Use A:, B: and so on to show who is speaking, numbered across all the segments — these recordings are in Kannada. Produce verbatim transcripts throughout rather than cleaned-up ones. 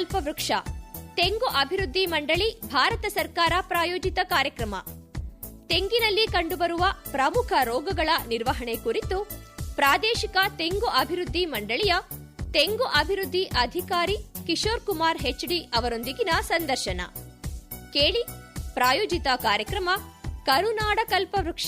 A: ಕಲ್ಪವೃಕ್ಷ ತೆಂಗು ಅಭಿವೃದ್ಧಿ ಮಂಡಳಿ ಭಾರತ ಸರ್ಕಾರ ಪ್ರಾಯೋಜಿತ ಕಾರ್ಯಕ್ರಮ. ತೆಂಗಿನಲ್ಲಿ ಕಂಡುಬರುವ ಪ್ರಮುಖ ರೋಗಗಳ ನಿರ್ವಹಣೆ ಕುರಿತು ಪ್ರಾದೇಶಿಕ ತೆಂಗು ಅಭಿವೃದ್ಧಿ ಮಂಡಳಿಯ ತೆಂಗು ಅಭಿವೃದ್ಧಿ ಅಧಿಕಾರಿ ಕಿಶೋರ್ ಕುಮಾರ್ ಹೆಚ್ಡಿ ಅವರೊಂದಿಗಿನ ಸಂದರ್ಶನ ಕೇಳಿ. ಪ್ರಾಯೋಜಿತ ಕಾರ್ಯಕ್ರಮ ಕರುನಾಡ ಕಲ್ಪವೃಕ್ಷ.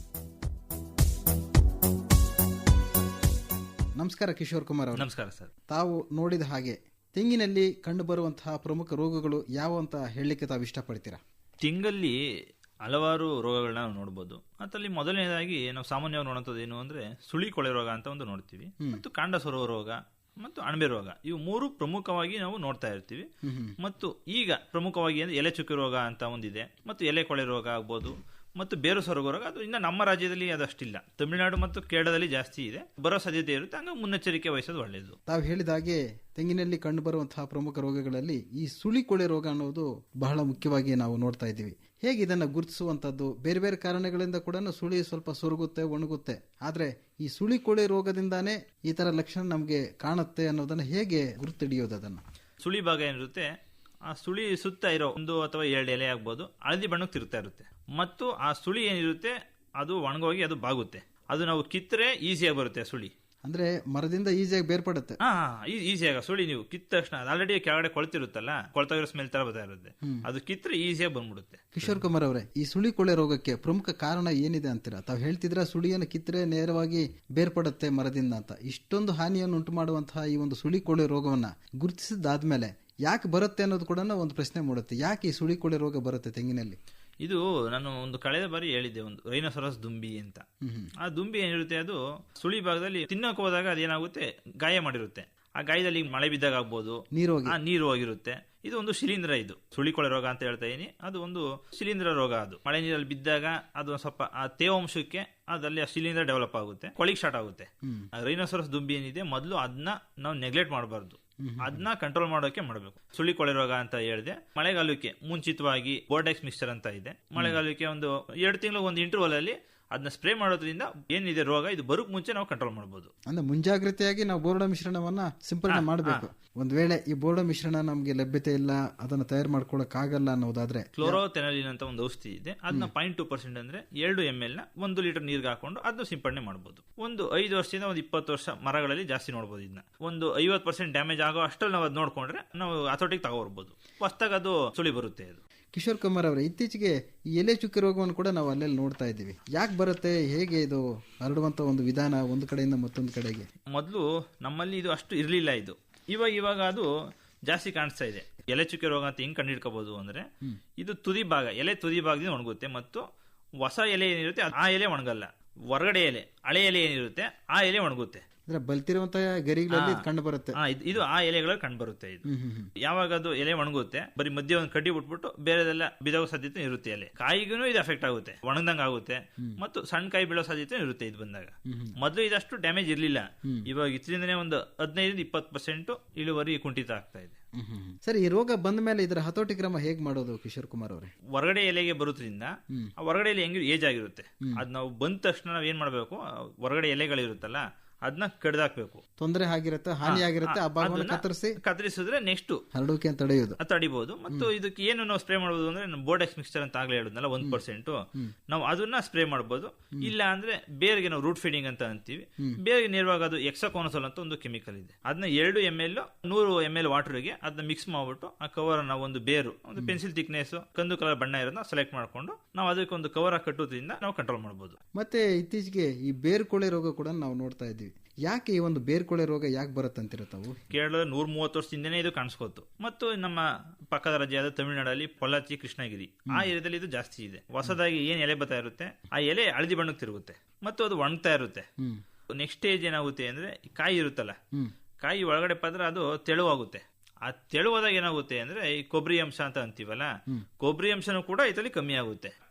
B: ನಮಸ್ಕಾರ ಕಿಶೋರ್ ಕುಮಾರ್ ಅವರು.
C: ನಮಸ್ಕಾರ ಸರ್.
B: ತಾವು ನೋಡಿದ ಹಾಗೆ ತೆಂಗಿನಲ್ಲಿ ಕಂಡುಬರುವಂತಹ ಪ್ರಮುಖ ರೋಗಗಳು ಯಾವ ಅಂತ ಹೇಳಲಿಕ್ಕೆ ತಾವು ಇಷ್ಟಪಡ್ತೀರಾ?
C: ತೆಂಗಲ್ಲಿ ಹಲವಾರು ರೋಗಗಳನ್ನ ನಾವು ನೋಡಬಹುದು. ಅದರಲ್ಲಿ ಮೊದಲನೇದಾಗಿ ನಾವು ಸಾಮಾನ್ಯವಾಗಿ ನೋಡುವಂಥದ್ದು ಏನು ಅಂದ್ರೆ ಸುಳಿ ಕೊಳೆ ರೋಗ ಅಂತ ಒಂದು ನೋಡ್ತೀವಿ, ಮತ್ತು ಕಾಂಡ ಸೊರುವ ರೋಗ ಮತ್ತು ಅಣಬೆ ರೋಗ. ಇವು ಮೂರು ಪ್ರಮುಖವಾಗಿ ನಾವು ನೋಡ್ತಾ ಇರ್ತೀವಿ. ಮತ್ತು ಈಗ ಪ್ರಮುಖವಾಗಿ ಅಂದ್ರೆ ಎಲೆ ಚುಕ್ಕೆ ರೋಗ ಅಂತ ಒಂದಿದೆ, ಮತ್ತು ಎಲೆ ಕೊಳೆ ರೋಗ ಆಗ್ಬೋದು, ಮತ್ತು ಬೇರು ಸೊರಗೋ ರೋಗ. ಅದು ಇನ್ನು ನಮ್ಮ ರಾಜ್ಯದಲ್ಲಿ ಅದಷ್ಟಿಲ್ಲ, ತಮಿಳುನಾಡು ಮತ್ತು ಕೇರಳದಲ್ಲಿ ಜಾಸ್ತಿ ಇದೆ, ಬರೋ ಸಾಧ್ಯತೆ ಇರುತ್ತೆ. ಹಂಗ ಮುನ್ನೆಚ್ಚರಿಕೆ ವಹಿಸೋದು ಒಳ್ಳೆಯದು.
B: ತಾವು ಹೇಳಿದ ಹಾಗೆ ತೆಂಗಿನಲ್ಲಿ ಕಂಡುಬರುವಂತಹ ಪ್ರಮುಖ ರೋಗಗಳಲ್ಲಿ ಈ ಸುಳಿ ಕೊಳೆ ರೋಗ ಅನ್ನೋದು ಬಹಳ ಮುಖ್ಯವಾಗಿ ನಾವು ನೋಡ್ತಾ ಇದ್ದೀವಿ. ಹೇಗೆ ಇದನ್ನ ಗುರುತಿಸುವಂತದ್ದು? ಬೇರೆ ಬೇರೆ ಕಾರಣಗಳಿಂದ ಕೂಡ ಸುಳಿ ಸ್ವಲ್ಪ ಸೊರಗುತ್ತೆ, ಒಣಗುತ್ತೆ. ಆದ್ರೆ ಈ ಸುಳಿ ಕೊಳೆ ರೋಗದಿಂದಾನೇ ಈ ತರ ಲಕ್ಷಣ ನಮಗೆ ಕಾಣುತ್ತೆ ಅನ್ನೋದನ್ನ ಹೇಗೆ ಗುರುತಿಡಿಯೋದು? ಅದನ್ನ
C: ಸುಳಿ ಭಾಗ ಏನಿರುತ್ತೆ, ಆ ಸುಳಿ ಸುತ್ತ ಇರೋ ಒಂದು ಅಥವಾ ಎರಡು ಎಲೆ ಆಗ್ಬೋದು, ಹಳದಿ ಬಣ್ಣಕ್ಕೆ ತಿರುಗ್ತಾ ಇರುತ್ತೆ. ಮತ್ತು ಆ ಸುಳಿ ಏನಿರುತ್ತೆ ಅದು ಒಣಗೋಗಿ ಅದು ಬಾಗುತ್ತೆ. ಅದು ನಾವು ಕಿತ್ತರೆ ಈಸಿಯಾಗಿ ಬರುತ್ತೆ ಸುಳಿ.
B: ಅಂದ್ರೆ ಮರದಿಂದ ಈಸಿಯಾಗಿ ಬೇರ್ಪಡುತ್ತೆ.
C: ಹಾ, ಈಸಿಯಾಗ ಸುಳಿ ನೀವು ಕಿತ್ತ ತಕ್ಷಣ ಆಲ್ರೆಡಿ ಕೆಳಗಡೆ ಕೊಳ್ತಿರುತ್ತಲ್ಲ, ಕೊಳ್ತಾಗಿರೋ ಸ್ಮೆಲ್ ತರ ಬರ್ತಾ ಇರುತ್ತೆ, ಅದು ಕಿತ್ತರೆ ಈಸಿಯಾಗಿ ಬಂದ್ಬಿಡುತ್ತೆ.
B: ಕಿಶೋರ್ ಕುಮಾರ್ ಅವರೇ, ಈ ಸುಳಿ ಕೊಳೆ ರೋಗಕ್ಕೆ ಪ್ರಮುಖ ಕಾರಣ ಏನಿದೆ ಅಂತೀರಾ? ತಾವು ಹೇಳ್ತಿದ್ರ ಸುಳಿಯನ್ನು ಕಿತ್ತರೆ ನೇರವಾಗಿ ಬೇರ್ಪಡುತ್ತೆ ಮರದಿಂದ ಅಂತ. ಇಷ್ಟೊಂದು ಹಾನಿಯನ್ನು ಉಂಟು ಮಾಡುವಂತಹ ಈ ಒಂದು ಸುಳಿ ಕೊಳೆ ರೋಗವನ್ನ ಗುರುತಿಸಿದಾದ್ಮೇಲೆ ಯಾಕೆ ಬರುತ್ತೆ ಅನ್ನೋದು ಕೂಡ ಒಂದು ಪ್ರಶ್ನೆ ಮೂಡುತ್ತೆ. ಯಾಕೆ ಈ ಸುಳಿ ಕೊಳೆ ರೋಗ ಬರುತ್ತೆ ತೆಂಗಿನಲ್ಲಿ?
C: ಇದು ನಾನು ಒಂದು ಕಳೆದ ಬಾರಿ ಹೇಳಿದ್ದೆ, ಒಂದು ರೈನೋಸರಸ್ ದುಂಬಿ ಅಂತ. ಆ ದುಂಬಿ ಏನಿರುತ್ತೆ ಅದು ಸುಳಿ ಭಾಗದಲ್ಲಿ ತಿನ್ನೋಕೆ ಹೋದಾಗ ಅದೇನಾಗುತ್ತೆ, ಗಾಯ ಮಾಡಿರುತ್ತೆ. ಆ ಗಾಯದಲ್ಲಿ ಮಳೆ ಬಿದ್ದಾಗ ಆಗ್ಬೋದು,
B: ನೀರು
C: ನೀರು ಹೋಗಿರುತ್ತೆ. ಇದು ಒಂದು ಶಿಲೀಂಧ್ರ, ಇದು ಸುಳಿಕೊಳೆ ರೋಗ ಅಂತ ಹೇಳ್ತಾ ಇದೀನಿ. ಅದು ಒಂದು ಶಿಲೀಂಧ್ರ ರೋಗ. ಅದು ಮಳೆ ನೀರಲ್ಲಿ ಬಿದ್ದಾಗ ಅದು ಸ್ವಲ್ಪ ಆ ತೇವಾಂಶಕ್ಕೆ ಅದಲ್ಲಿ ಆ ಶಿಲೀಂಧ್ರ ಡೆವಲಪ್ ಆಗುತ್ತೆ, ಕೊಳಿಕ್ ಸ್ಟಾರ್ಟ್ ಆಗುತ್ತೆ. ರೈನೋಸರಸ್ ದುಂಬಿ ಏನಿದೆ ಮೊದಲು ಅದನ್ನ ನಾವು ನೆಗ್ಲೆಕ್ಟ್ ಮಾಡಬಾರ್ದು, ಅದನ್ನ ಕಂಟ್ರೋಲ್ ಮಾಡೋಕೆ ಮಾಡಬೇಕು. ಸುಳಿ ಕೊಳೆ ರೋಗ ಅಂತ ಹೇಳಿದೆ. ಮಳೆಗಾಲಕ್ಕೆ ಮುಂಚಿತವಾಗಿ ಬೋರ್ಡೆಕ್ಸ್ ಮಿಕ್ಸ್ಚರ್ ಅಂತ ಇದೆ. ಮಳೆಗಾಲಕ್ಕೆ ಒಂದು ಎರಡು ತಿಂಗಳು ಒಂದು ಇಂಟರ್ವಲ್ ಅಲ್ಲಿ ಅದನ್ನ ಸ್ಪ್ರೇ ಮಾಡೋದ್ರಿಂದ ಏನಿದೆ ರೋಗ ಇದು ಬರೋಕ್ ಮುಂಚೆ ನಾವು ಕಂಟ್ರೋಲ್ ಮಾಡಬಹುದು.
B: ಅಂದ್ರೆ ಮುಂಜಾಗ್ರತೆಯಾಗಿ ನಾವು ಬೋರ್ಡ ಮಿಶ್ರಣವನ್ನ ಸಿಂಪಡಣೆ ಮಾಡಬೇಕು. ಒಂದ್ ವೇಳೆ ಈ ಬೋರ್ಡ ಮಿಶ್ರಣ ನಮ್ಗೆ ಲಭ್ಯತೆ ಇಲ್ಲ, ಅದನ್ನ ತಯಾರು ಮಾಡ್ಕೊಳಕ್ ಆಗಲ್ಲ ಅನ್ನೋದಾದ್ರೆ
C: ಕ್ಲೋರೋಥೆನಲಿನ್ ಅಂತ ಒಂದು ಔಷಧಿ ಇದೆ. ಅದನ್ನ ಪಾಯಿಂಟ್ ಟೂ ಪರ್ಸೆಂಟ್ ಅಂದ್ರೆ ಎರಡು ಎಂ ಎಲ್ ನ ಒಂದು ಲೀಟರ್ ನೀರ್ಗೆ ಹಾಕೊಂಡು ಅದನ್ನ ಸಿಂಪಡಣೆ ಮಾಡಬಹುದು. ಒಂದು ಐದು ವರ್ಷದಿಂದ ಒಂದು ಇಪ್ಪತ್ತು ವರ್ಷ ಮರಗಳಲ್ಲಿ ಜಾಸ್ತಿ ನೋಡಬಹುದು. ಇದನ್ನ ಒಂದು ಐವತ್ತು ಪರ್ಸೆಂಟ್ ಡ್ಯಾಮೇಜ್ ಆಗೋ ಅಷ್ಟಲ್ಲಿ ನಾವು ಅದ್ ನೋಡ್ಕೊಂಡ್ರೆ ನಾವು ಹತೋಟಿಗೆ ತಗೋಬರ್ಬೋದು. ಹೊಸದಾಗ ಅದು ಸುಳಿ ಬರುತ್ತೆ. ಅದು
B: ಕಿಶೋರ್ ಕುಮಾರ್ ಅವರೇ, ಇತ್ತೀಚೆಗೆ ಈ ಎಲೆ ಚುಕ್ಕೆ ರೋಗವನ್ನು ಕೂಡ ನಾವು ಅಲ್ಲೆಲ್ಲಿ ನೋಡ್ತಾ ಇದ್ದೀವಿ. ಯಾಕೆ ಬರುತ್ತೆ, ಹೇಗೆ ಇದು ಹರಡುವಂತ ಒಂದು ವಿಧಾನ ಒಂದು ಕಡೆಯಿಂದ ಮತ್ತೊಂದು ಕಡೆಗೆ?
C: ಮೊದಲು ನಮ್ಮಲ್ಲಿ ಇದು ಅಷ್ಟು ಇರ್ಲಿಲ್ಲ. ಇದು ಇವಾಗ ಇವಾಗ ಅದು ಜಾಸ್ತಿ ಕಾಣಿಸ್ತಾ ಇದೆ. ಎಲೆ ಚುಕ್ಕೆ ರೋಗ ಅಂತ ಹೆಂಗ್ ಕಂಡಿಡ್ಕೋಬಹುದು ಅಂದ್ರೆ, ಇದು ತುದಿ ಭಾಗ, ಎಲೆ ತುದಿ ಭಾಗದಿಂದ ಒಣಗುತ್ತೆ, ಮತ್ತು ಹೊಸ ಎಲೆ ಏನಿರುತ್ತೆ ಆ ಎಲೆ ಒಣಗಲ್ಲ. ಹೊರಗಡೆ ಎಲೆ, ಹಳೆ ಎಲೆ ಏನಿರುತ್ತೆ ಆ ಎಲೆ ಒಣಗುತ್ತೆ.
B: ಬಲ್ತಿರುವಂತಹ ಗರಿಗಳಲ್ಲಿ ಕಂಡು ಬರುತ್ತೆ.
C: ಇದು ಆ ಎಲೆಗಳಲ್ಲಿ ಕಂಡು ಬರುತ್ತೆ. ಇದು ಯಾವಾಗ ಅದು ಎಲೆ ಒಣಗುತ್ತೆ, ಬರೀ ಮಧ್ಯೆ ಒಂದು ಕಡ್ಡಿ ಬಿಟ್ಬಿಟ್ಟು ಬೇರೆದೆಲ್ಲ ಬಿದೋ ಸಾಧ್ಯತೆ ಇರುತ್ತೆ. ಎಲೆ ಕಾಯಿಗೂ ಇದು ಎಫೆಕ್ಟ್ ಆಗುತ್ತೆ, ಒಣಗದಂಗ ಆಗುತ್ತೆ, ಮತ್ತು ಸಣ್ಣ ಕಾಯಿ ಬೀಳೋ ಸಾಧ್ಯತೆ ಇರುತ್ತೆ ಇದು ಬಂದಾಗ. ಮೊದಲು ಇದಷ್ಟು ಡ್ಯಾಮೇಜ್ ಇರ್ಲಿಲ್ಲ. ಇವಾಗ ಇದರಿಂದನೇ ಒಂದು ಹದಿನೈದು ಇಪ್ಪತ್ತು ಪರ್ಸೆಂಟ್ ಇಳುವರಿ ಕುಂಠಿತ ಆಗ್ತಾ ಇದೆ.
B: ಸರಿ, ಈ ರೋಗ ಬಂದ ಮೇಲೆ ಇದರ ಹತೋಟಿ ಕ್ರಮ ಹೇಗ್ ಮಾಡೋದು ಕಿಶೋರ್ ಕುಮಾರ್ ಅವರೇ?
C: ಹೊರಗಡೆ ಎಲೆಗೆ ಬರೋದ್ರಿಂದ ಆ ಹೊರಗಡೆ ಎಲೆ ಹೆಂಗ್ ಏಜ್ ಆಗಿರುತ್ತೆ, ಅದ್ ನಾವು ಬಂದ ತಕ್ಷಣ ನಾವ್ ಏನ್ ಮಾಡ್ಬೇಕು, ಹೊರಗಡೆ ಎಲೆಗಳಿರುತ್ತಲ್ಲ ಅದನ್ನ ಕಡ್ದಾಕ್ಬೇಕು.
B: ತೊಂದರೆ ಆಗಿರುತ್ತೆ, ಹಾನಿ ಆಗಿರುತ್ತೆ, ಆ ಭಾಗವನ್ನು ಕತ್ತರಿಸಿ
C: ಕತ್ತರಿಸಿದ್ರೆ ನೆಕ್ಸ್ಟ್
B: ಹರಡುವಿಕೆ ತಡೆಯೋದು
C: ತಡಿಬಹುದು. ಮತ್ತು ಇದಕ್ಕೆ ಏನು ನಾವು ಸ್ಪ್ರೇ ಮಾಡಬಹುದು ಅಂದ್ರೆ, ಬೋರ್ಡೆಕ್ಸ್ ಮಿಕ್ಸ್ಚರ್ ಅಂತ ಆಗ್ಲೇ ಹೇಳಿದ್ನಲ್ಲ, ಒಂದ್ ಪರ್ಸೆಂಟ್ ನಾವು ಅದನ್ನ ಸ್ಪ್ರೇ ಮಾಡಬಹುದು. ಇಲ್ಲ ಅಂದ್ರೆ ಬೇರ್ಗೆ ನಾವು ರೂಟ್ ಫೀಡಿಂಗ್ ಅಂತ ಅಂತೀವಿ, ಬೇರ್ಗೆ ನೇರವಾಗಿ ಅದು ಎಕ್ಸಾಕೋನಸೋಲ್ ಅಂತ ಒಂದು ಕೆಮಿಕಲ್ ಇದೆ. ಅದನ್ನ ಎರಡು ಎಂ ಎಲ್ ನೂರು ಎಂ ಎಲ್ ವಾಟರ್ಗೆ ಅದನ್ನ ಮಿಕ್ಸ್ ಮಾಡ್ಬಿಟ್ಟು ಆ ಕವರ್ ನಾವು ಒಂದು ಬೇರು ಒಂದು ಪೆನ್ಸಿಲ್ ಥಿಕ್ನೆಸ್ ಕಂದು ಕಲರ್ ಬಣ್ಣ ಇರೋದನ್ನ ಸೆಲೆಕ್ಟ್ ಮಾಡ್ಕೊಂಡು ನಾವು ಅದಕ್ಕೆ ಒಂದು ಕವರ್ ಕಟ್ಟೋದ್ರಿಂದ ನಾವು ಕಂಟ್ರೋಲ್ ಮಾಡಬಹುದು.
B: ಮತ್ತೆ ಇತ್ತೀಚೆಗೆ ಈ ಬೇರ್ಕೊಳೆ ರೋಗ ಕೂಡ ನಾವು ನೋಡ್ತಾ ಇದ್ದೀವಿ. ಯಾಕೆ ಈ ಒಂದು ಬೇರ್ಕೊಳೆ ರೋಗ ಯಾಕೆ ಬರುತ್ತಂತಿರ ತಾವು?
C: ಕೇರಳದ ನೂರ ಮೂವತ್ತು ವರ್ಷದಿಂದನೇ ಇದು ಕಾಣಿಸ್ಕೋತು. ಮತ್ತು ನಮ್ಮ ಪಕ್ಕದ ರಾಜ್ಯದ ತಮಿಳುನಾಡಲ್ಲಿ ಪೊಲ್ಲಾಚಿ, ಕೃಷ್ಣಗಿರಿ ಆ ಏರಿಯಾದಲ್ಲಿ ಇದು ಜಾಸ್ತಿ ಇದೆ. ಹೊಸದಾಗಿ ಏನ್ ಎಲೆ ಬರ್ತಾ ಇರುತ್ತೆ ಆ ಎಲೆ ಹಳದಿ ಬಣ್ಣಕ್ಕೆ ತಿರುಗುತ್ತೆ, ಮತ್ತು ಅದು ಒಣಗ್ತಾ ಇರುತ್ತೆ. ನೆಕ್ಸ್ಟ್ ಸ್ಟೇಜ್ ಏನಾಗುತ್ತೆ ಅಂದ್ರೆ, ಕಾಯಿ ಇರುತ್ತಲ್ಲ, ಕಾಯಿ ಒಳಗಡೆ ಪದ್ರ ಅದು ತೆಳುವಾಗುತ್ತೆ. ಆ ತೆಳುವಾದಾಗ ಏನಾಗುತ್ತೆ ಅಂದ್ರೆ, ಈ ಕೊಬ್ಬರಿ ಅಂಶ ಅಂತ ಅಂತೀವಲ್ಲ, ಕೊಬ್ಬರಿ ಅಂಶನೂ ಕೂಡ ಇದರಲ್ಲಿ ಕಮ್ಮಿ ಆಗುತ್ತೆ.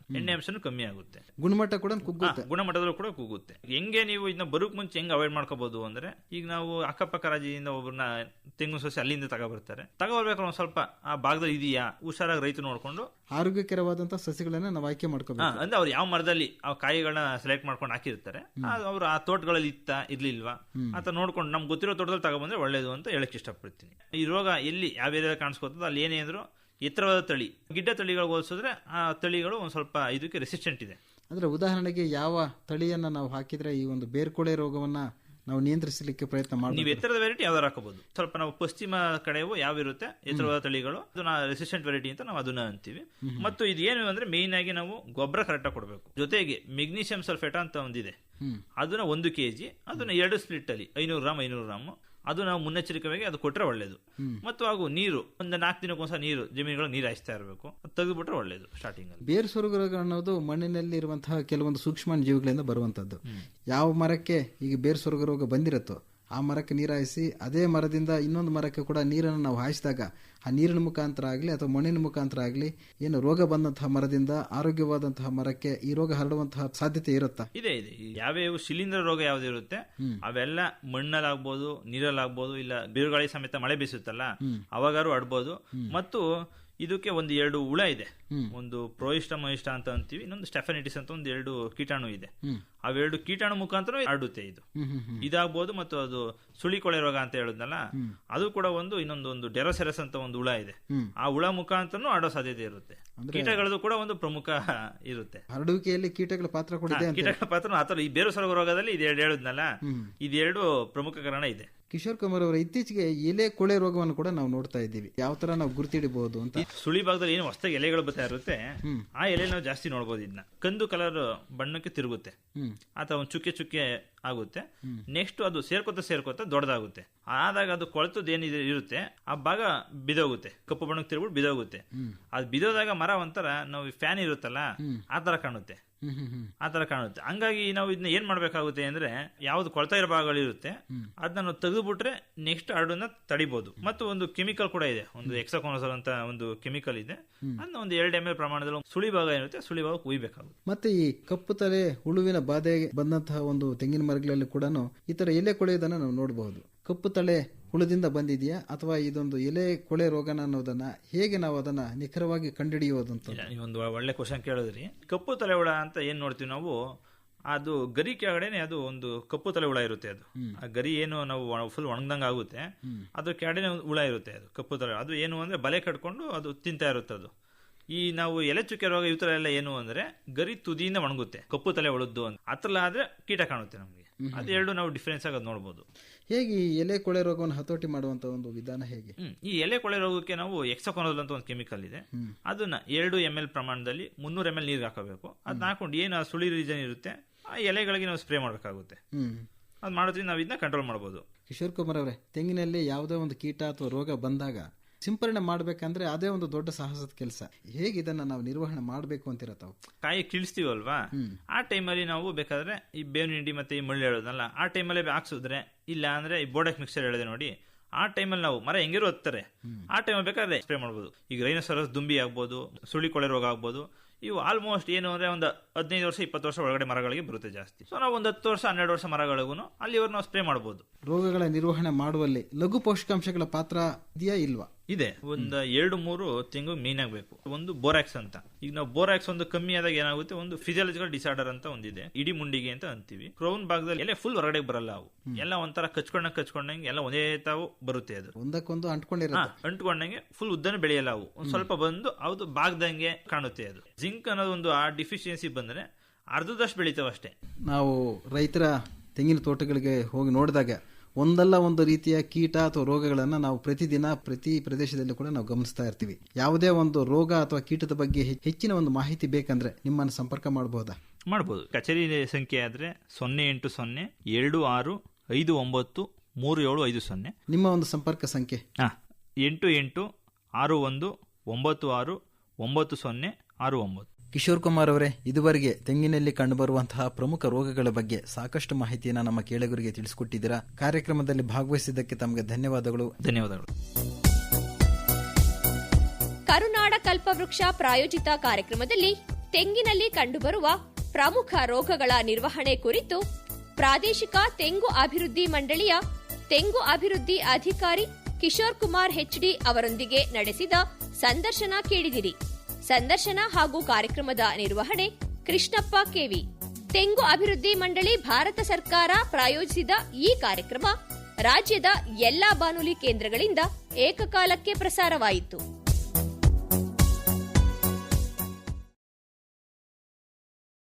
C: ಎಣ್ಣೆ ಅಂಶನೂ ಕಮ್ಮಿ ಆಗುತ್ತೆ,
B: ಗುಣಮಟ್ಟ ಕೂಡ ಕುಗ್ಗುತ್ತೆ.
C: ಹಾ, ಗುಣಮಟ್ಟದಲ್ಲೂ ಕೂಡ ಕುಗ್ಗುತ್ತೆ. ಹೆಂಗೆ ನೀವು ಇದನ್ನ ಬರೋಕ್ ಮುಂಚೆ ಹೆಂಗ್ ಅವಾಯ್ಡ್ ಮಾಡ್ಕೋಬಹುದು ಅಂದ್ರೆ, ಈಗ ನಾವು ಅಕ್ಕಪಕ್ಕ ರಾಜ್ಯದಿಂದ ಒಬ್ಬರನ್ನ ತೆಂಗಿನ ಸಸಿ ಅಲ್ಲಿಂದ ತಗೊಬರ್ತಾರೆ, ತಗೊಬರ್ಬೇಕಾದ್ರೆ ಒಂದ್ ಸ್ವಲ್ಪ ಆ ಭಾಗದಲ್ಲಿ ಇದೆಯಾ ಹುಷಾರಾಗಿ ರೈತ ನೋಡ್ಕೊಂಡು
B: ಆರೋಗ್ಯಕರವಾದಂತಹ ಸಸಿಗಳನ್ನ ನಾವು ಆಯ್ಕೆ ಮಾಡ್ಕೋಬೇಕು.
C: ಅಂದ್ರೆ ಅವ್ರು ಯಾವ ಮರದಲ್ಲಿ ಆ ಕಾಯಿಗಳನ್ನ ಸೆಲೆಕ್ಟ್ ಮಾಡ್ಕೊಂಡು ಹಾಕಿರ್ತಾರೆ, ಅವ್ರು ಆ ತೋಟಗಳಲ್ಲಿ ಇತ್ತ ಇರ್ಲಿಲ್ವಾ ಅಂತ ನೋಡ್ಕೊಂಡು ನಮ್ಗೆ ಗೊತ್ತಿರೋ ತೋಟದಲ್ಲಿ ತಗೊಬಂದ್ರೆ ಒಳ್ಳೇದು ಅಂತ ಹೇಳಕ್ ಇಷ್ಟಪಡ್ತೀನಿ. ಈ ರೋಗ ಎಲ್ಲಿ ಯಾವ ಏರಿಯಾದಲ್ಲಿ ಕಾಣಿಸ್ಕೊತದ ಅಲ್ಲಿ ಏನೇ ಅಂದ್ರು ಎತ್ತರವಾದ ತಳಿ ಗಿಡ್ಡ ತಳಿಗಳಿಗೆ ಹೋಲಿಸಿದ್ರೆ ಆ ತಳಿಗಳು ಒಂದ್ ಸ್ವಲ್ಪ ಇದಕ್ಕೆ ರೆಸಿಸ್ಟೆಂಟ್ ಇದೆ.
B: ಅಂದ್ರೆ ಉದಾಹರಣೆಗೆ ಯಾವ ತಳಿಯನ್ನ ನಾವು ಹಾಕಿದ್ರೆ ಈ ಒಂದು ಬೇರ್ಕೊಳೆ ರೋಗವನ್ನ ನಾವು ನಿಯಂತ್ರಿಸಲಿಕ್ಕೆ ಪ್ರಯತ್ನ ಮಾಡಿ,
C: ನೀವು ಎತ್ತರದ ವೆರೈಟಿ ಯಾವ್ದಾರು ಹಾಕಬಹುದು. ಸ್ವಲ್ಪ ನಾವು ಪಶ್ಚಿಮ ಕಡೆವು ಯಾವ ಇರುತ್ತೆ ಎತ್ತರವಾದ ತಳಿಗಳು, ಅದನ್ನ ರೆಸಿಸ್ಟೆಂಟ್ ವೆರೈಟಿ ಅಂತ ನಾವು ಅದನ್ನ ಅಂತೀವಿ. ಮತ್ತು ಇದು ಏನು ಅಂದ್ರೆ ಮೇನ್ ಆಗಿ ನಾವು ಗೊಬ್ಬರ ಕರೆಕ್ಟ್ ಆಗಿ ಕೊಡಬೇಕು. ಜೊತೆಗೆ ಮೆಗ್ನೀಷಿಯಂ ಸಲ್ಫೇಟ್ ಅಂತ ಒಂದಿದೆ, ಅದನ್ನ ಒಂದು ಕೆಜಿ ಅದನ್ನ ಎರಡು ಸ್ಪ್ಲಿಟ್ ಅಲ್ಲಿ ಐನೂರು ಗ್ರಾಮ್ ಐನೂರು ಗ್ರಾಮ್ ಅದು ನಾವು ಮುನ್ನೆಚ್ಚರಿಕೆಯಾಗಿ ಅದು ಕೊಟ್ಟರೆ ಒಳ್ಳೇದು. ಮತ್ತು ಹಾಗೂ ನೀರು ಒಂದು ನಾಲ್ಕು ದಿನಕ್ಕೊಂದ್ಸಲ ನೀರು ಜಮೀನುಗಳು ನೀರು ಹಾಯಿಸ್ತಾ ಇರಬೇಕು, ಅದು ತೆಗೆದುಬಿಟ್ರೆ ಒಳ್ಳೇದು. ಸ್ಟಾರ್ಟಿಂಗ್ ಅಲ್ಲಿ
B: ಬೇರು ಸೊರಗು ರೋಗ ಅನ್ನೋದು ಮಣ್ಣಿನಲ್ಲಿ ಇರುವಂತಹ ಕೆಲವೊಂದು ಸೂಕ್ಷ್ಮ ಜೀವಿಗಳಿಂದ ಬರುವಂತದ್ದು. ಯಾವ ಮರಕ್ಕೆ ಈಗ ಬೇರು ಸೊರಗು ರೋಗ ಬಂದಿರುತ್ತೋ ಆ ಮರಕ್ಕೆ ನೀರು ಹಾಯಿಸಿ ಅದೇ ಮರದಿಂದ ಇನ್ನೊಂದು ಮರಕ್ಕೆ ಕೂಡ ನೀರನ್ನು ನಾವು ಹಾಯಿಸಿದಾಗ ಆ ನೀರಿನ ಮುಖಾಂತರ ಆಗಲಿ ಅಥವಾ ಮಣ್ಣಿನ ಮುಖಾಂತರ ಆಗಲಿ ಏನು ರೋಗ ಬಂದಂತಹ ಮರದಿಂದ ಆರೋಗ್ಯವಾದಂತಹ ಮರಕ್ಕೆ ಈ ರೋಗ ಹರಡುವಂತಹ ಸಾಧ್ಯತೆ ಇರುತ್ತಾ?
C: ಇದೆ ಇದೆ. ಯಾವ್ಯಾವ ಶಿಲೀಂಧ್ರ ರೋಗ ಯಾವ್ದು ಇರುತ್ತೆ ಅವೆಲ್ಲ ಮಣ್ಣಲ್ಲಾಗ್ಬೋದು, ನೀರಲ್ಲಾಗ್ಬೋದು, ಇಲ್ಲ ಬಿರುಗಾಳಿ ಸಮೇತ ಮಳೆ ಬೀಸುತ್ತಲ್ಲ ಅವಾಗಾರು ಆಡ್ಬೋದು. ಮತ್ತು ಇದಕ್ಕೆ ಒಂದು ಎರಡು ಹುಳ ಇದೆ, ಒಂದು ಪ್ರೋಯಿಷ್ಟ ಮಹಿಷ್ಟ ಅಂತ ಅಂತೀವಿ, ಇನ್ನೊಂದು ಸ್ಟೆಫನಿಟಿಸ್ ಅಂತ ಒಂದು ಎರಡು ಕೀಟಾಣು ಇದೆ. ಅವೆರಡು ಕೀಟಾಣು ಮುಖಾಂತರ ಹರಡುತ್ತೆ ಇದು. ಇದಾಗಬಹುದು. ಮತ್ತು ಅದು ಸುಳಿಕೊಳೆ ರೋಗ ಅಂತ ಹೇಳಿದ್ನಲ್ಲ ಅದು ಕೂಡ ಒಂದು ಇನ್ನೊಂದು ಒಂದು ಡೆರೋಸೆರಸ್ ಅಂತ ಒಂದು ಹುಳ ಇದೆ, ಆ ಹುಳ ಮುಖಾಂತರನು ಆಡೋ ಸಾಧ್ಯತೆ ಇರುತ್ತೆ. ಕೀಟಗಳದ್ದು ಕೂಡ ಒಂದು ಪ್ರಮುಖ ಇರುತ್ತೆ.
B: ಹರಡುವಿಕೆಯಲ್ಲಿ ಕೀಟಗಳ ಪಾತ್ರ ಕೂಡ ಇದೆ.
C: ಕೀಟಗಳ ಪಾತ್ರ ಆತರ ಈ ಬೇರು ಸೊರಗು ರೋಗದಲ್ಲಿ ಇದೆರಡು ಹೇಳಿದ್ನಲ್ಲ ಇದೆರಡು ಪ್ರಮುಖ ಕಾರಣ ಇದೆ.
B: ಕಿಶೋರ್ ಕುಮಾರ್ ಅವರ ಇತ್ತೀಚೆಗೆ ಎಲೆ ಕೊಳೆ ರೋಗವನ್ನು ಕೂಡ ನಾವು ನೋಡ್ತಾ ಇದ್ದೀವಿ. ಯಾವ ತರ ನಾವು ಗುರುತಿಡಬಹುದು ಅಂತ?
C: ಸುಳಿ ಭಾಗದಲ್ಲಿ ಏನು ಹೊಸದಾಗಿ ಎಲೆಗಳು ಬರ್ತಾ ಇರುತ್ತೆ ಆ ಎಲೆ ನಾವು ಜಾಸ್ತಿ ನೋಡಬಹುದು. ಇದನ್ನ ಕಂದು ಕಲರ್ ಬಣ್ಣಕ್ಕೆ ತಿರುಗುತ್ತೆ ಅಥವಾ ಒಂದು ಚುಕ್ಕೆ ಚುಕ್ಕೆ ಆಗುತ್ತೆ. ನೆಕ್ಸ್ಟ್ ಅದು ಸೇರ್ಕೋತ ಸೇರ್ಕೋತ ದೊಡ್ಡದಾಗುತ್ತೆ. ಆದಾಗ ಅದು ಕೊಳೆತದ್ದು ಏನಿದೆ ಇರುತ್ತೆ ಆ ಭಾಗ ಬಿದೋಗುತ್ತೆ, ಕಪ್ಪು ಬಣ್ಣಕ್ಕೆ ತಿರುಗ್ಬಿಟ್ಟು ಬಿದೋಗುತ್ತೆ. ಅದು ಬಿದೋದಾಗ ಮರ ಒಂಥರ ನಾವು ಫ್ಯಾನ್ ಇರುತ್ತಲ್ಲ ಆ ತರ ಕಾಣುತ್ತೆ, ಆ ತರ ಕಾಣುತ್ತೆ. ಹಂಗಾಗಿ ನಾವು ಇದನ್ನ ಏನ್ ಮಾಡ್ಬೇಕಾಗುತ್ತೆ ಅಂದ್ರೆ ಯಾವ್ದು ಕೊಳ್ತಾ ಇರೋ ಭಾಗಗಳು ಇರುತ್ತೆ ಅದನ್ನ ನಾವು ತೆಗೆದುಬಿಟ್ರೆ ನೆಕ್ಸ್ಟ್ ಹರಡನ್ನ ತಡಿಬಹುದು. ಮತ್ತು ಒಂದು ಕೆಮಿಕಲ್ ಕೂಡ ಇದೆ, ಒಂದು ಎಕ್ಸಾಕೋನಜೋಲ್ ಅಂತ ಒಂದು ಕೆಮಿಕಲ್ ಇದೆ, ಅದನ್ನ ಒಂದು ಎರಡು ಎಂ ಎಲ್ ಪ್ರಮಾಣದಲ್ಲಿ ಸುಳಿ ಭಾಗ ಏನಿರುತ್ತೆ ಸುಳಿ ಭಾಗ ಕುಯ್ಬೇಕಾಗುತ್ತೆ.
B: ಮತ್ತೆ ಈ ಕಪ್ಪು ತಲೆ ಹುಳುವಿನ ಬಾಧೆ ಬಂದಂತಹ ಒಂದು ತೆಂಗಿನ ಮರಗಳಲ್ಲಿ ಕೂಡ ಈ ತರ ಎಲೆ ಕೊಳೆಯೋದನ್ನ ನಾವು ನೋಡಬಹುದು. ಕಪ್ಪು ತಲೆ ಹುಳದಿಂದ ಬಂದಿದೆಯಾ ಅಥವಾ ಇದೊಂದು ಎಲೆ ಕೊಳೆ ರೋಗನ ಅನ್ನೋದನ್ನ ಹೇಗೆ ನಾವು ಅದನ್ನ ನಿಖರವಾಗಿ ಕಂಡುಹಿಡಿಯೋದಂತ?
C: ಒಂದು ಒಳ್ಳೆ ಕ್ವಶನ್ ಕೇಳಿದ್ರಿ. ಕಪ್ಪು ತಲೆ ಹುಳ ಅಂತ ಏನ್ ನೋಡ್ತೀವಿ ನಾವು, ಅದು ಗರಿ ಕೆಳಗಡೆನೆ ಅದು ಒಂದು ಕಪ್ಪು ತಲೆ ಹುಳ ಇರುತ್ತೆ. ಅದು ಆ ಗರಿ ಏನು ನಾವು ಫುಲ್ ಒಣಗ್ದಂಗ ಆಗುತ್ತೆ, ಅದ್ರ ಕೆಳಗಡೆ ಹುಳ ಇರುತ್ತೆ. ಅದು ಕಪ್ಪು ತಲೆ ಅದು ಏನು ಅಂದ್ರೆ ಬಲೆ ಕಟ್ಕೊಂಡು ಅದು ತಿಂತಾ ಇರುತ್ತೆ. ಅದು ಈ ನಾವು ಎಲೆ ಚುಕ್ಕೆ ರೋಗ ಈ ತರ ಎಲ್ಲ ಏನು ಅಂದ್ರೆ ಗರಿ ತುದಿಯಿಂದ ಒಣಗುತ್ತೆ, ಕಪ್ಪು ತಲೆ ಉಳಿದ್ದು ಅಂತ. ಅತ್ರಲ್ಲ ಆದ್ರೆ ಕೀಟ ಕಾಣುತ್ತೆ ನಮಗೆ. ಅದೆರಡು ನಾವು ಡಿಫ್ರೆನ್ಸ್ ಆಗೋದು ನೋಡಬಹುದು.
B: ಹೇಗೆ ಈ ಎಲೆ ಕೊಳೆ ರೋಗವನ್ನು ಹತೋಟಿ ಮಾಡುವಂತ ಒಂದು ವಿಧಾನ ಹೇಗೆ?
C: ಈ ಎಲೆ ಕೊಳೆ ರೋಗಕ್ಕೆ ನಾವು ಎಕ್ಸಾಕೋನಜೋಲ್ ಅಂತ ಒಂದು ಕೆಮಿಕಲ್ ಇದೆ, ಅದನ್ನ ಎರಡು ಎಂ ಎಲ್ ಪ್ರಮಾಣದಲ್ಲಿ ಮುನ್ನೂರು ಎಂ ಎಲ್ ನೀರಿಗೆ ಹಾಕಬೇಕು. ಅದನ್ನ ಹಾಕೊಂಡು ಏನು ಸುಳಿ ರೀಜನ್ ಇರುತ್ತೆ ಆ ಎಲೆಗಳಿಗೆ ನಾವು ಸ್ಪ್ರೇ ಮಾಡಬೇಕಾಗುತ್ತೆ. ಅದು ಮಾಡೋದ್ರಿಂದ ನಾವು ಇದನ್ನ ಕಂಟ್ರೋಲ್ ಮಾಡಬಹುದು.
B: ಕಿಶೋರ್ ಕುಮಾರ್ ಅವರೇ, ತೆಂಗಿನಲ್ಲಿ ಯಾವುದೇ ಒಂದು ಕೀಟ ಅಥವಾ ರೋಗ ಬಂದಾಗ ಸಿಂಪರಣೆ ಮಾಡ್ಬೇಕಂದ್ರೆ ಅದೇ ಒಂದು ದೊಡ್ಡ ಸಾಹಸದ ಕೆಲಸ. ಹೇಗೆ ಇದನ್ನ ನಾವು ನಿರ್ವಹಣೆ ಮಾಡಬೇಕು ಅಂತೀರ ತಾವು?
C: ಕಾಯಿ ಕೀಳಿಸ್ತೀವಲ್ವಾ, ಆ ಟೈಮಲ್ಲಿ ನಾವು ಬೇಕಾದ್ರೆ ಈ ಬೇವಿನ ಹಿಂಡಿ ಮತ್ತೆ ಈ ಮಳ್ಳಿ ಹೇಳೋದಲ್ಲ ಆ ಟೈಮಲ್ಲಿ ಹಾಕ್ಸಿದ್ರೆ, ಇಲ್ಲ ಅಂದ್ರೆ ಈ ಬೋಡಕ್ ಮಿಕ್ಸರ್ ಹೇಳಿದೆ ನೋಡಿ, ಆ ಟೈಮಲ್ಲಿ ನಾವು ಮರ ಹೆಂಗಿರೋ ಹತ್ತಾರೆ ಆ ಟೈಮಲ್ಲಿ ಬೇಕಾದ್ರೆ ಸ್ಪ್ರೇ ಮಾಡ್ಬೋದು. ಈಗ ರೈನೋಸರಸ್ ದುಂಬಿ ಆಗ್ಬೋದು, ಸುಳಿ ಕೊಳೆ ರೋಗ ಆಗ್ಬೋದು, ಇವು ಆಲ್ಮೋಸ್ಟ್ ಏನು ಅಂದ್ರೆ ಒಂದು ಹದಿನೈದು ವರ್ಷ ಇಪ್ಪತ್ತು ವರ್ಷ ಒಳಗಡೆ ಮರಗಳಿಗೆ ಬರುತ್ತೆ ಜಾಸ್ತಿ. ಸೊ ನಾವು ಒಂದು ಹತ್ತು ವರ್ಷ ಹನ್ನೆರಡು ವರ್ಷ ಮರಗಳಿಗೂ ಅಲ್ಲಿವರೆಗೂ ನಾವು ಸ್ಪ್ರೇ ಮಾಡಬಹುದು.
B: ರೋಗಗಳ ನಿರ್ವಹಣೆ ಮಾಡುವಲ್ಲಿ ಲಘು ಪೋಷಕಾಂಶಗಳ ಪಾತ್ರ ಇದೆಯಾ ಇಲ್ವಾ?
C: ಇದೆ. ಒಂದು ಎರಡು ಮೂರು ತಿಂಗಳು ಮೇನ್ ಆಗಬೇಕು. ಒಂದು ಬೋರಾಕ್ಸ್ ಅಂತ. ಈಗ ನಾವು ಬೋರಾಕ್ಸ್ ಒಂದು ಕಮ್ಮಿ ಆದಾಗ ಏನಾಗುತ್ತೆ, ಒಂದು ಫಿಸಿಯಾಲಜಿಕಲ್ ಡಿಸಾರ್ಡರ್ ಅಂತ ಒಂದಿದೆ, ಇಡಿ ಮುಂಡಿಗೆ ಅಂತ ಅಂತೀವಿ. ಕ್ರೌನ್ ಭಾಗದಲ್ಲಿ ಎಲ್ಲ ಫುಲ್ ಹೊರಗಡೆ ಬರಲ್ಲ, ಅವು ಎಲ್ಲ ಒಂಥರ ಕಚ್ಕೊಂಡ ಕಚ್ಕೊಂಡಂಗೆ ಎಲ್ಲ ಒಂದೇ ತಾವು ಬರುತ್ತೆ. ಅದು
B: ಒಂದಕ್ಕೊಂದು ಅಂಟ್ಕೊಂಡಿರುತ್ತೆ,
C: ಅಂಟ್ಕೊಂಡಂಗೆ ಫುಲ್ ಉದ್ದನ ಬೆಳೆಯಲ್ಲ. ಅವು ಒಂದ್ ಸ್ವಲ್ಪ ಬಂದು ಅದು ಭಾಗದಂಗೆ ಕಾಣುತ್ತೆ. ಅದು ಜಿಂಕ್ ಅನ್ನೋದು ಒಂದು ಆ ಡಿಫಿಷಿಯನ್ಸಿ ಬಂದ್ರೆ ಅರ್ಧದಷ್ಟು ಬೆಳಿತಾವ ಅಷ್ಟೇ.
B: ನಾವು ರೈತರ ತೆಂಗಿನ ತೋಟಗಳಿಗೆ ಹೋಗಿ ನೋಡಿದಾಗ ಒಂದಲ್ಲ ಒಂದು ರೀತಿಯ ಕೀಟ ಅಥವಾ ರೋಗಗಳನ್ನ ನಾವು ಪ್ರತಿದಿನ ಪ್ರತಿ ಪ್ರದೇಶದಲ್ಲಿ ಕೂಡ ನಾವು ಗಮನಿಸ್ತಾ ಇರ್ತೀವಿ. ಯಾವುದೇ ಒಂದು ರೋಗ ಅಥವಾ ಕೀಟದ ಬಗ್ಗೆ ಹೆಚ್ಚಿನ ಒಂದು ಮಾಹಿತಿ ಬೇಕಂದ್ರೆ ನಿಮ್ಮನ್ನು ಸಂಪರ್ಕ ಮಾಡಬಹುದಾ?
C: ಮಾಡಬಹುದು. ಕಚೇರಿ ಸಂಖ್ಯೆ ಆದ್ರೆ ಸೊನ್ನೆ ಎಂಟು ಸೊನ್ನೆ ಎರಡು ಆರು ಐದು ಒಂಬತ್ತು ಮೂರು ಏಳು ಐದು ಸೊನ್ನೆ.
B: ನಿಮ್ಮ ಒಂದು ಸಂಪರ್ಕ ಸಂಖ್ಯೆ
C: ಹಾ ಎಂಟು ಎಂಟು ಆರು ಒಂದು ಒಂಬತ್ತು ಆರು ಒಂಬತ್ತು ಸೊನ್ನೆ ಆರು ಒಂಬತ್ತು.
B: ಕಿಶೋರ್ ಕುಮಾರ್ ಅವರೇ, ಇದುವರೆಗೆ ತೆಂಗಿನಲ್ಲಿ ಕಂಡುಬರುವಂತಹ ಪ್ರಮುಖ ರೋಗಗಳ ಬಗ್ಗೆ ಸಾಕಷ್ಟು ಮಾಹಿತಿಯನ್ನು ನಮ್ಮ ಕೇಳುಗರಿಗೆ ತಿಳಿಸಿಕೊಟ್ಟಿದ್ದೀರಾ. ಕಾರ್ಯಕ್ರಮದಲ್ಲಿ ಭಾಗವಹಿಸಿದ್ದಕ್ಕೆ ತಮಗೆ ಧನ್ಯವಾದಗಳು.
C: ಧನ್ಯವಾದಗಳು.
A: ಕರುನಾಡ ಕಲ್ಪವೃಕ್ಷ ಪ್ರಾಯೋಜಿತ ಕಾರ್ಯಕ್ರಮದಲ್ಲಿ ತೆಂಗಿನಲ್ಲಿ ಕಂಡುಬರುವ ಪ್ರಮುಖ ರೋಗಗಳ ನಿರ್ವಹಣೆ ಕುರಿತು ಪ್ರಾದೇಶಿಕ ತೆಂಗು ಅಭಿವೃದ್ಧಿ ಮಂಡಳಿಯ ತೆಂಗು ಅಭಿವೃದ್ಧಿ ಅಧಿಕಾರಿ ಕಿಶೋರ್ ಕುಮಾರ್ ಹೆಚ್ಡಿ ಅವರೊಂದಿಗೆ ನಡೆಸಿದ ಸಂದರ್ಶನ ಕೇಳಿದಿರಿ. ಸಂದರ್ಶನ ಹಾಗೂ ಕಾರ್ಯಕ್ರಮದ ನಿರ್ವಹಣೆ ಕೃಷ್ಣಪ್ಪ ಕೆವಿ. ತೆಂಗು ಅಭಿವೃದ್ಧಿ ಮಂಡಳಿ ಭಾರತ ಸರ್ಕಾರ ಪ್ರಾಯೋಜಿಸಿದ ಈ ಕಾರ್ಯಕ್ರಮ ರಾಜ್ಯದ ಎಲ್ಲಾ ಬಾನುಲಿ ಕೇಂದ್ರಗಳಿಂದ ಏಕಕಾಲಕ್ಕೆ ಪ್ರಸಾರವಾಯಿತು.